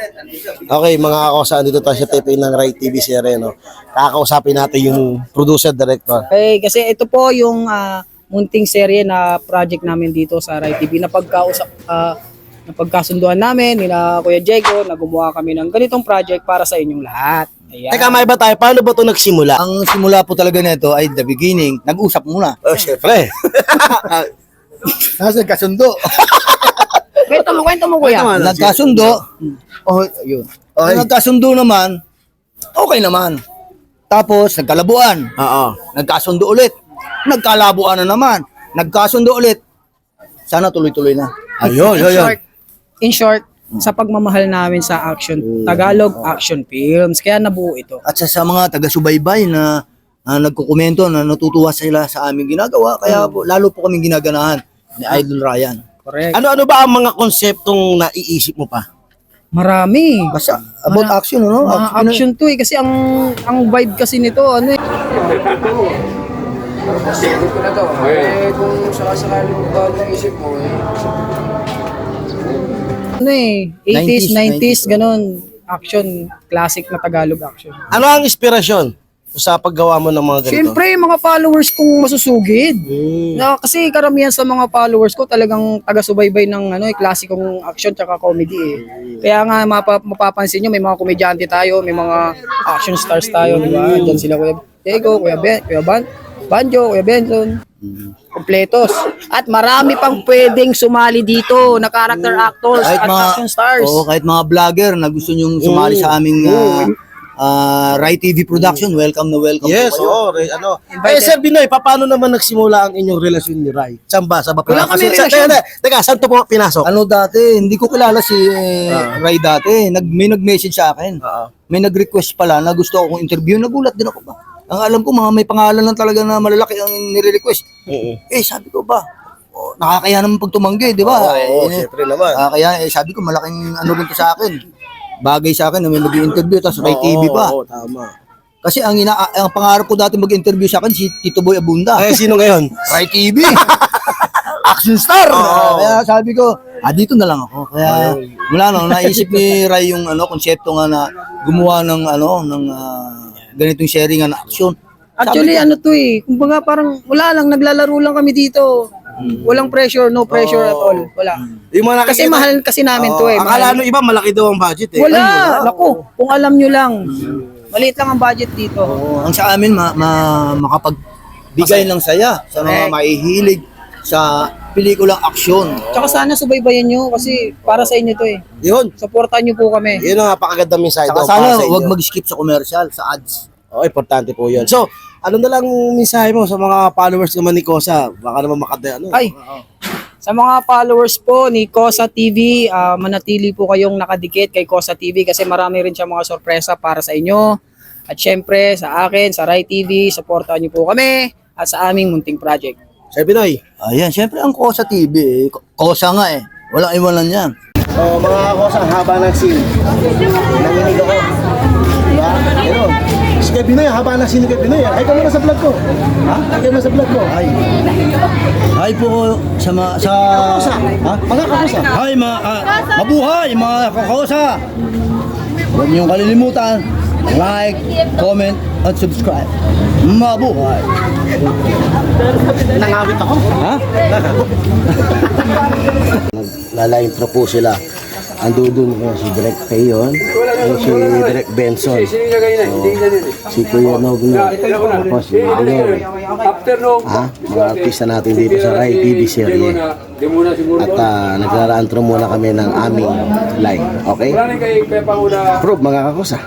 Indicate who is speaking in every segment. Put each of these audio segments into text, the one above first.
Speaker 1: Okay, mga kakosa, dito tayo sa TP ng Rai TV series, no? Kakausapin natin yung producer, director.
Speaker 2: Okay, kasi ito po yung munting serye na project namin dito sa Rai TV na napagkasunduan namin nila Kuya Diego na gumawa kami ng ganitong project para sa inyong lahat. Ayan.
Speaker 1: Teka, may ba tayo? Paano ba ito nagsimula?
Speaker 3: Ang simula po talaga nito ay the beginning, nag-usap muna.
Speaker 1: Oh, syempre.
Speaker 3: Nasa kasundo.
Speaker 2: Kwento mo kuya.
Speaker 3: Nagkasundo. Oh, yun.
Speaker 1: Okay.
Speaker 3: Nagkasundo naman, okay naman. Tapos, nagkalabuan.
Speaker 1: Oo.
Speaker 3: Nagkasundo ulit. Nagkalabuan na naman. Nagkasundo ulit. Sana tuloy-tuloy na.
Speaker 1: Ayun,
Speaker 2: In short, sa pagmamahal namin sa action, Tagalog action films, kaya nabuo ito.
Speaker 3: At sa mga taga-subaybay na nagkukomento na natutuwa sila sa aming ginagawa, kaya po, lalo po kaming ginaganahan ni Idol Ryan.
Speaker 2: Correct.
Speaker 1: Ano ba ang mga konseptong naiisip mo pa?
Speaker 2: Marami.
Speaker 3: Basta about action, ano?
Speaker 2: Mga action to eh, kasi ang vibe kasi nito, ano eh.
Speaker 4: Kung sakasakali mo ba ang isip mo,
Speaker 2: Ano eh, 80s, 90s, ganun. Action, classic na Tagalog action.
Speaker 1: Ano ang inspirasyon sa paggawa mo ng mga ganito?
Speaker 2: Siyempre, yung mga followers kong masusugid. Na, kasi karamihan sa mga followers ko talagang taga-subaybay ng ano, klasikong action tsaka comedy eh. Kaya nga mapapansin nyo, may mga komedyante tayo, may mga action stars tayo, di ba? Diyan sila Kuya Diego, Kuya Banjo, Kuya Benson. Kompletos. At marami pang pwedeng sumali dito na character actors at action stars.
Speaker 3: Oo, kahit mga vlogger na gusto nyong sumali sa aming Rai TV production, welcome na welcome.
Speaker 1: Yes,
Speaker 3: po kayo.
Speaker 1: oo. Sir Binoy, paano naman nagsimula ang inyong relasyon ni Rai? Saan ba? Sa
Speaker 2: Wala kami relasyon.
Speaker 1: Teka, saan to po pinasok?
Speaker 3: Ano dati, hindi ko kilala si Rai dati. May nag-message sa akin. May nag-request pala na gusto akong interview. Nagulat din ako ba? Ang alam ko, mga may pangalan lang talaga na malalaki ang nire-request. Sabi ko ba, nakakaya naman pag tumanggi, di ba?
Speaker 1: Siyempre naman.
Speaker 3: Kaya sabi ko, malaking ano rin to sa akin. Bagay sa akin na may mag-interview, tapos Rai TV pa.
Speaker 1: Oo, tama.
Speaker 3: Kasi ang pangarap ko dati mag-interview sa akin, si Tito Boy Abunda.
Speaker 1: Sino ngayon?
Speaker 3: Rai TV! Action star! Kaya sabi ko, dito na lang ako. Kaya wala nang naisip ni Rai yung konsepto nga na gumawa ng ganitong sharing na action.
Speaker 2: Actually, ano to eh, kumbaga parang wala lang, naglalaro lang kami dito. Walang pressure, no pressure at all. Wala.
Speaker 1: Yung mga
Speaker 2: Kasi mahal kasi namin to eh.
Speaker 1: Akala nung iba malaki daw ang budget eh.
Speaker 2: Wala! Naku, kung alam nyo lang. Maliit lang ang budget dito.
Speaker 3: Ang sa amin, makapagbigay ng saya sa mga mahihilig sa pelikulang aksyon.
Speaker 2: Tsaka sana subaybayan nyo kasi para sa inyo to eh.
Speaker 1: Yun.
Speaker 2: Supportan nyo po kami.
Speaker 1: Yun ang napakaganda mensahe
Speaker 3: Saka
Speaker 1: daw
Speaker 3: sana
Speaker 1: para sa inyo.
Speaker 3: huwag mag-skip sa commercial, sa ads.
Speaker 1: Oo, importante po yun. So, ano na lang mensahe mo sa mga followers naman ni Kosa? Baka naman
Speaker 2: Ay, sa mga followers po ni Kosa TV, manatili po kayong nakadikit kay Kosa TV kasi marami rin siya mga sorpresa para sa inyo. At syempre, sa akin, sa Rai TV, supportan nyo po kami at sa aming munting project.
Speaker 1: Sir Binoy.
Speaker 3: Ayan, syempre ang Kosa TV, Kosa nga eh. Walang iwanan yan.
Speaker 1: So, mga Kosa, haba ng scene. Nanginig ako. Diba? Pero, si Kay Binoy, haba ng scene ni Kay Binoy. Ay, ka muna sa vlog ko. Ha? Ay, ka muna sa vlog ko. Ay.
Speaker 3: Hi po sa
Speaker 1: Mga Kosa.
Speaker 3: Hi mabuhay mga kakosa. Huwag niyong kalilimutan, like, comment, at subscribe. Mabuhay.
Speaker 1: Nangawit ako.
Speaker 3: Ha?
Speaker 1: Lala-intro po sila. Ando dun si Direk Payon, si Direk Benson, si Kuya Nogno, tapos si Alor. Mga artista natin dito sa Rai TV serye. At nagrara-intro muna kami ng aming live. Okay? Prove mga kakusa.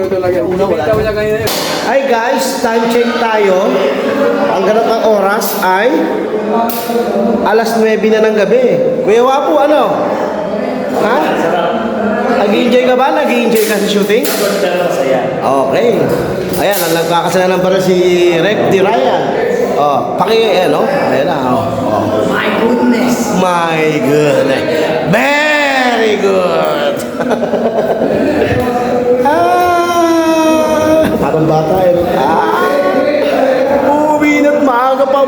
Speaker 1: Hi guys, time check tayo. Ang ganap ng oras ay alas 9 na ng gabi. Kuya Wapo, ano? Ha? Nag-i-enjoy ka ba? Nag-i-enjoy ka sa shooting? Okay. Ayan, ang nagkakasalanan pa rin si Rep Di Ryan. Ayan na. My goodness. Very good. Parang bata eh. Uwi na't maaga pa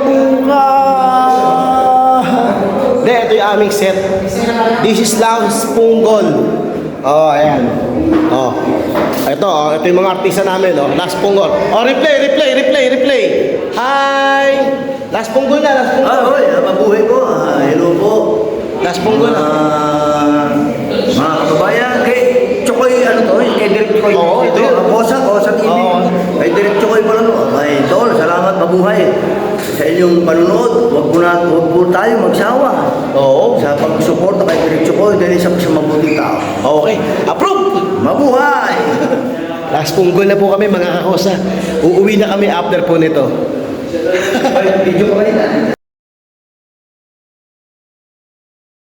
Speaker 1: bukas. Ito yung aming set. This is Lounge Punggol. Oh, ayan. Oh. Ito yung mga artista namin, oh. Last Punggol. Oh, replay. Hi! Last Punggol na, last Punggol.
Speaker 5: Hoy, mabuhay po. Hello po.
Speaker 1: Last Punggol na.
Speaker 5: Mga kababayan, kay Chokoy, kay Direk Chokoy.
Speaker 1: Oo, ito yun.
Speaker 5: Kosa TV.
Speaker 1: Oo.
Speaker 5: Kay Direk Chokoy pala, Ay, tol, salamat, mabuhay. Sa inyong panunood, wag po tayo magsawa.
Speaker 1: Oo.
Speaker 5: Sa pagsuporta kay Direk Chokoy, dahil isa po siya mabuting tao.
Speaker 1: Okay. Approve!
Speaker 5: Mabuhay!
Speaker 1: Last Punggol na po kami, mga kakosa. Uuwi na kami after po nito.
Speaker 5: Video ko kanina.